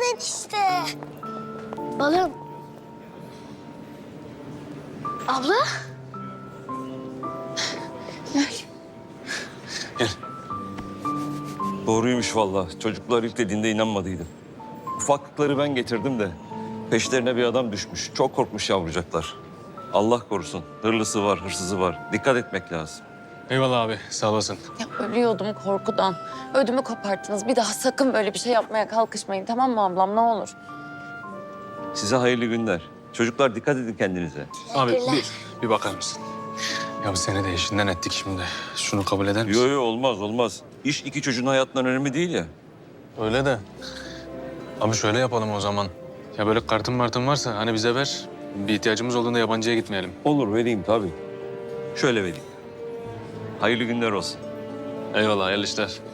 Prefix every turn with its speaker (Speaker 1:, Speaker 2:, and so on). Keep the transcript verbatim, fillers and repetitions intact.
Speaker 1: enişte. Balım. Abla.
Speaker 2: Gel. Doğruymuş vallahi. Çocuklar ilk dediğinde inanmadıydım. Ufaklıkları ben getirdim de peşlerine bir adam düşmüş. Çok korkmuş yavrucaklar. Allah korusun. Hırlısı var, hırsızı var. Dikkat etmek lazım.
Speaker 3: Eyvallah abi, sağ olasın.
Speaker 4: Ya ölüyordum korkudan. Ödümü koparttınız. Bir daha sakın böyle bir şey yapmaya kalkışmayın, tamam mı ablam, ne olur?
Speaker 2: Size hayırlı günler. Çocuklar dikkat edin kendinize.
Speaker 3: Abi bir, bir bakar mısın? Ya biz seni de işinden ettik şimdi. Şunu kabul eder misin?
Speaker 2: Yo yo olmaz olmaz. İş iki çocuğun hayatından önemli değil ya.
Speaker 3: Öyle de. Abi şöyle yapalım o zaman. Ya böyle kartın martın varsa hani bize ver. Bir ihtiyacımız olduğunda yabancıya gitmeyelim.
Speaker 2: Olur vereyim tabii. Şöyle vereyim. Hayırlı günler olsun.
Speaker 3: Eyvallah, hayırlı işler.